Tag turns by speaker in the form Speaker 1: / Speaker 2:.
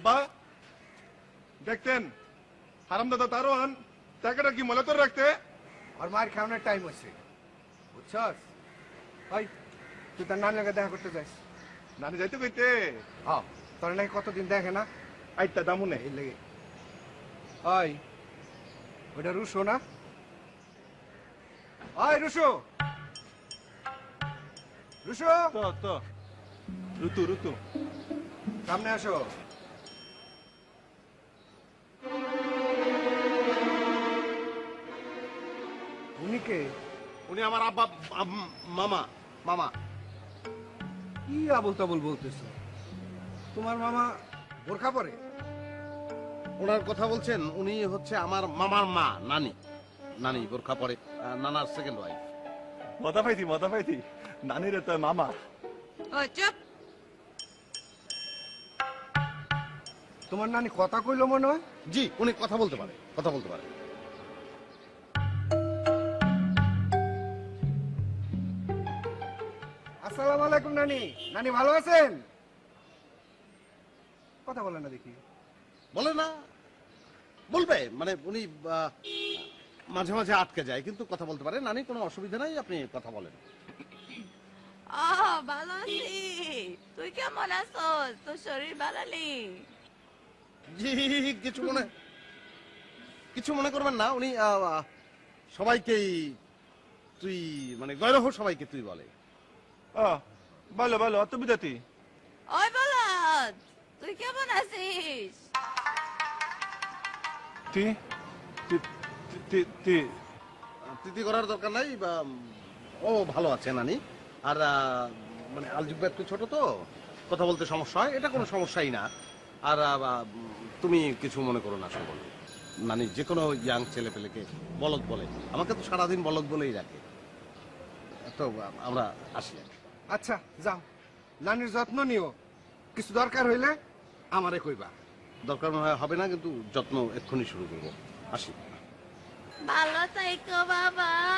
Speaker 1: আব্বা দেখতেন হারামদাদা তারোয়ান টাকাটা কি মলে তোর রাখতে
Speaker 2: আর মার খাওয়ানোর টাইম হয়েছে বুঝছস ওই তুই তার নানি লাগে দেখা করতে যাস
Speaker 1: নানি যাইতে কইতে
Speaker 2: হ্যাঁ তোর নাকি কতদিন দেখে না
Speaker 1: আইতা দামু নেই
Speaker 2: এই লেগে ওই ওটা রুশো না ওই রুশো রুশো
Speaker 1: তো তো ঋতু ঋতু
Speaker 2: সামনে আসো উনি কে
Speaker 3: উনি আমার আব্বা মামা মামা
Speaker 2: কি আবল তাবল বলতেছো তোমার মামা বোরখা পরে
Speaker 3: ওনার কথা বলছেন উনি হচ্ছে আমার মামার মা নানি নানি বোরখা পরে নানার সেকেন্ড ওয়াইফ
Speaker 1: মজা পাইতি নানিরে তো মামা
Speaker 4: ওই চুপ।
Speaker 2: তোমার নানি কথা কইলো মনে হয়
Speaker 3: জি উনি কথা বলতে পারে কথা বলতে পারে
Speaker 2: আসসালামু আলাইকুম নানি নানি ভালো আছেন কথা বলে না দেখি
Speaker 3: বলে না বলবে মানে উনি মাঝে মাঝে আটকে যায় কিন্তু কথা বলতে পারে নানি কোনো অসুবিধা নাই আপনি কথা বলেন
Speaker 4: ও ভালো আছি। তুই কেমন আছোস? তোর শরীর ভালো নেই?
Speaker 3: জি কিছু মনে করবেন না উনি সবাইকেই তুই মানে গৈরহ সবাইকে তুই বলে
Speaker 1: ভালো ভালো অত বিদাতি
Speaker 4: ওই বলদ, তুই কেমন আছিস?
Speaker 1: তি তি তি তি
Speaker 3: তিথি করার দরকার নাই বা ও ভালো আছে নানি আর মানে আলজিব্বা একটু ছোট তো কথা বলতে সমস্যা হয় এটা কোনো সমস্যাই না আর তুমি কিছু মনে করো না সকল নানি যে কোনো ইয়াং ছেলে পেলেকে বলদ বলে আমাকে তো সারাদিন বলদ বলেই রাখে তো আমরা আসি
Speaker 2: আচ্ছা যাও নানির যত্ন নিও কিছু দরকার হইলে আমারে কইবা
Speaker 3: দরকার মনে হয় হবে না কিন্তু যত্ন এক্ষুনি শুরু করবো আসি
Speaker 4: ভালো থাইকো বাবা।